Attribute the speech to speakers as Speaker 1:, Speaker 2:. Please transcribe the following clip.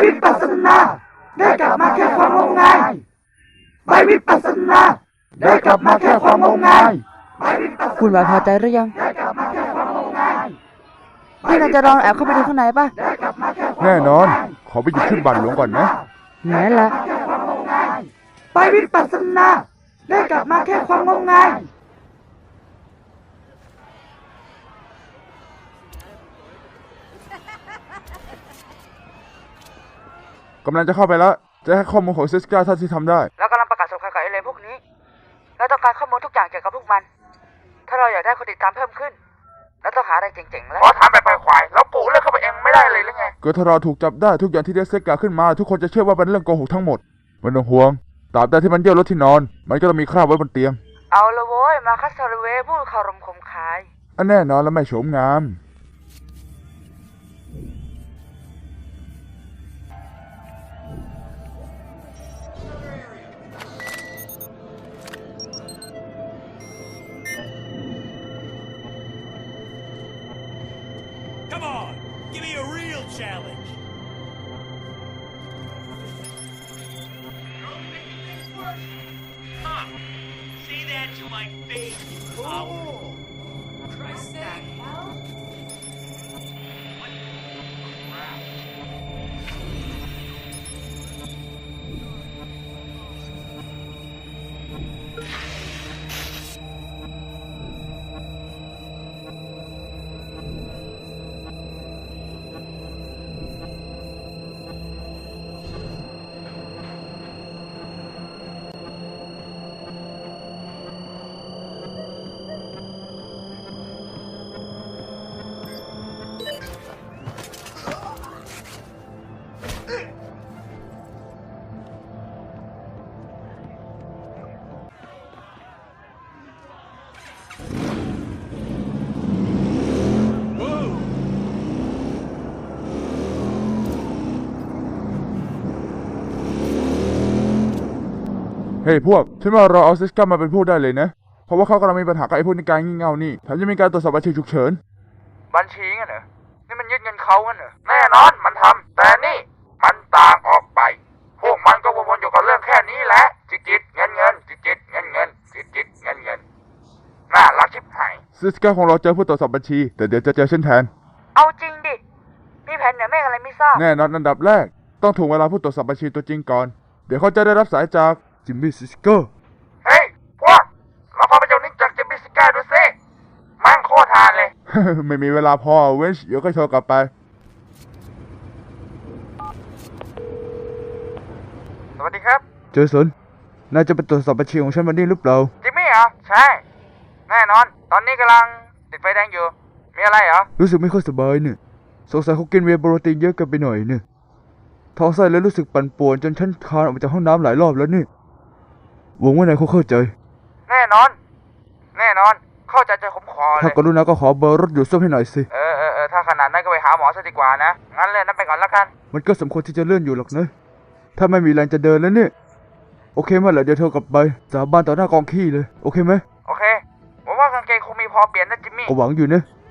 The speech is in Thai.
Speaker 1: วิปัสสนาได้กลับมาแค่ความงมงายใบวิปัสสนาได้กลับมาแค่ความงมงาย
Speaker 2: คุณหมายพอใจหรือยังพี่นายจะลองแอบเข้าไปดูข้างในป่ะ
Speaker 3: แน่นอนขอไปหยิบขึ้นบัตรหลวงก่อนนะ
Speaker 2: นั่นแหละ
Speaker 1: ใบวิปัสสนาได้กลับมาแค่ความงมงาย
Speaker 3: กำลังจะเข้าไปแล้วจะให้ข้อมูลของซิสกาเท่าที่ทำได้
Speaker 2: เรากำลังประกาศสงครามกับไอ้เลนพวกนี้เราต้องการข้อมูลทุกอย่างเกี่ยวกับพวกมันถ้าเราอยากได้คนติดตามเพิ่มขึ้นเราต้องหาอะไรเจ๋งๆแล้ว
Speaker 4: ขอถามแบบควายแล้วปู่เลือกเข้าไปเองไม่ได้เลยหรือไง
Speaker 3: ก็ถ้าเราถูกจับได้ทุกอย่างที่เรียกซิสกาขึ้นมาทุกคนจะเชื่อว่าเป็นเรื่องโกหกทั้งหมดไม่ต้องห่วงตราบใดที่มันเยี่ยวรถที่นอนมันก็ต้องมีคราบไว้บนเตียง
Speaker 2: เอาละโว้ยมาคัสซาร์เวผู้คารมคมคาย
Speaker 3: อันแน่นอนและไม่โฉมงาม
Speaker 5: Come on, give me a real challenge. Huh? Say that to my face, you coward. Christ, that hell? What crap?
Speaker 3: เฮ้ยพวกฉันว่าเราเอาซิสกามาเป็นผู้ได้เลยนะเพราะว่าเขากำลังมีปัญหากับไอ้พวกนิกายงี่เง่านี่แถมยังมีการตรวจสอบบัญชีฉุกเฉิน
Speaker 4: บัญชีงั้นเหรอนี่มันยึดเงินเขางั้นเหรอแน่นอนมันทำแต่นี่มันต่างออกไปพวกมันก็วนๆอยู่กับเรื่องแค่นี้แหละจิตเงินจิตเงินจิตเงินน่ารักชิบหาย
Speaker 3: ซิสกาของเราเจอผู้ตรวจสอบบัญชีแต่เดี๋ยวจะเจอฉันแทน
Speaker 2: เอาจริงดิมีแผนเหนือเมฆอะไรไม่ทราบ
Speaker 3: แน่นอนอันดับแรกต้องถ่วงเวลาผู้ตรวจสอบบัญชีตัวจริงก่อนเดี๋ยวเขาจะได้รับสายจากจิมมี่ซิสกา
Speaker 4: เฮ้ยพวกเราพาไปเจ้านิ่งจากจิมมี่ซิสกาดูสิมั่งโคตรทานเลย
Speaker 3: ไม่มีเวลาพอเวนช์เดี๋ยวก็โทรกลับไป
Speaker 4: สวัสดีครับ
Speaker 3: เจสันนายจะไปตรวจสอบบัญชีของฉันวันนี้หรือเปล่า
Speaker 4: จิมมี่เหรอใช่แน่นอนตอนนี้กำลังติดไฟแดงอยู่มีอะไรเหรอ
Speaker 3: รู้สึกไม่ค่อยสบายเนี่ยสงสัยเขากินเวย์โปรตีนเยอะเกินไปหน่อยเนี่ยท้องไส้เลยรู้สึกปั่นป่วนจนฉันคลานออกมาจากห้องน้ำหลายรอบแล้วนี่หวังว่านายเข้าใจ
Speaker 4: แน่นอนเข้าใจผมคอเลย
Speaker 3: ถ้ากรุณาก็ขอเบอร์รถอยู่ซ่อมให้หน่อยสิ
Speaker 4: ถ้าขนาดนั้นก็ไปหาหมอซะดีกว่านะงั้นเลื่อนนั้นไปก่อนละกัน
Speaker 3: มันก็สมควรที่จะเลื่อนอยู่หรอกนะถ้าไม่มีแรงจะเดินแล้วเนี่ยโอเคเมื่อไหร่เดี๋ยวเธอกลับไปสาบานต่อหน้ากองขี้เลยโอเคไหม
Speaker 4: โอเคผมว่ากางเกงคงมีพอเปลี่ยนนะจิมมี่
Speaker 3: ก็หวังอยู่นะ